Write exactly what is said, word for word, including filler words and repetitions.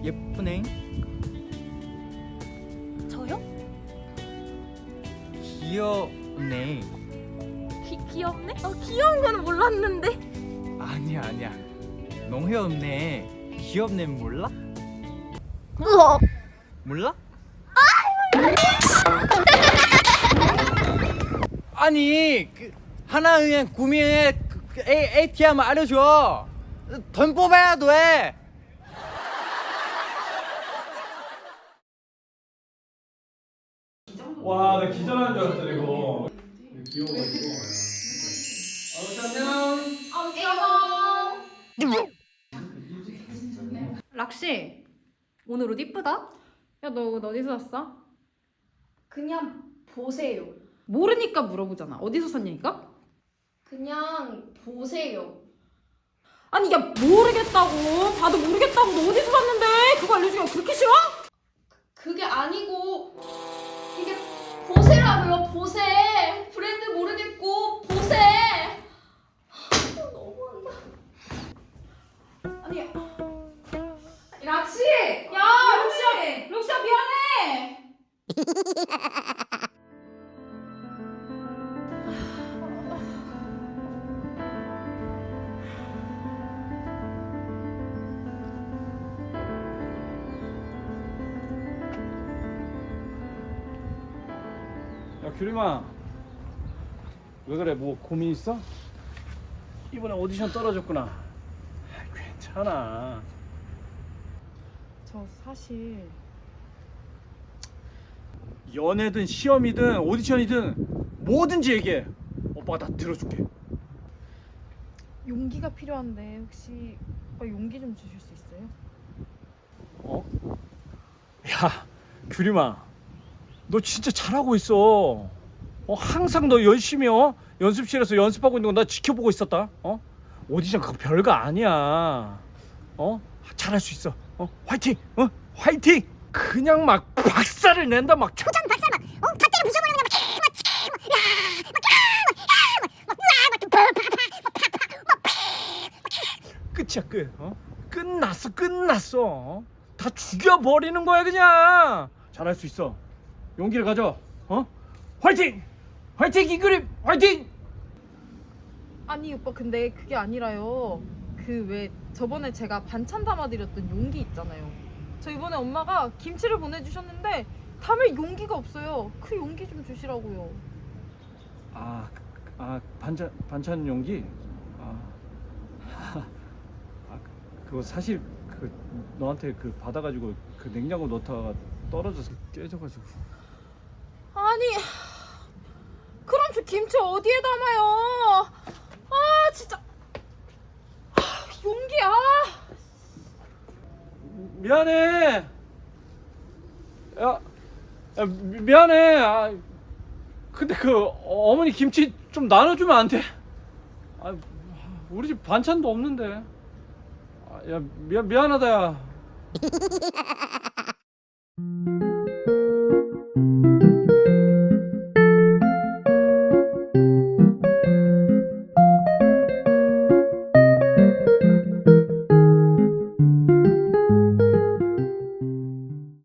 예쁘네. 저요? 귀엽네. 귀, 귀엽네? 어, 귀여운 거는 몰랐는데. 아니야 아니야. 농해 없네. 귀엽네 몰라? 우와. 몰라? 아니 그 하나은행 구미은행 그, 그 A, 에이티엠 알려줘. 돈 뽑아야 돼. 와, 나 기절하는 줄 알았어 이거. 귀여워가지고. 락시, 오늘 옷 이쁘다? 야, 너 옷 어디서 샀어? 그냥 보세요. 모르니까 물어보잖아. 어디서 샀냐니까? 그냥 보세요. 아니, 야, 모르겠다고. 봐도 모르겠다고. 너 어디서 샀는데? 그거 알려주기가 그렇게 싫어? 그게 아니고 이게 보세라고요. 보세. 브랜드 모르겠고 보세. 하, 너무한다. 아니, 락시! 야, 락시야! 락시야, 미안해! 야, 규림아. 왜 그래? 뭐 고민 있어? 이번에 오디션 떨어졌구나. 아, 괜찮아. 저 사실... 연애든 시험이든 오디션이든 뭐든지 얘기해. 오빠가 다 들어줄게. 용기가 필요한데 혹시 오빠 용기 좀 주실 수 있어요? 어? 야, 규림아. 너 진짜 잘하고 있어. 어, 항상 너 열심히 어? 연습실에서 연습하고 있는 거 나 지켜보고 있었다. 어? 오디션 그거 별거 아니야. 어? 잘할 수 있어. 어? 화이팅! 어? 화이팅! 그냥 막 박살을 낸다 막. 초전 박살 막, 어, 갓대를 부숴버리는 그냥 막, 막, 야, 막, 야, 막, 막, 막, 막, 막, 막, 끝이야 끝. 어? 끝났어 끝났어. 어? 다 죽여버리는 거야 그냥. 잘할 수 있어. 용기를 가져. 어? 화이팅! 화이팅 이그림 화이팅! 아니 오빠 근데 그게 아니라요. 그 왜 저번에 제가 반찬 담아드렸던 용기 있잖아요. 저 이번에 엄마가 김치를 보내주셨는데 담을 용기가 없어요. 그 용기 좀 주시라고요. 아, 아 반찬 반찬 용기. 아, 아 그거 사실 그 너한테 그 받아가지고 그 냉장고 넣다가 떨어져서 깨져가지고. 아니 그럼 저 김치 어디에 담아요? 아 진짜 아, 용기야. 미안해. 야, 야 미, 미안해. 아, 근데 그 어머니 김치 좀 나눠주면 안 돼? 아, 우리 집 반찬도 없는데. 아, 야 미안 미안하다 야.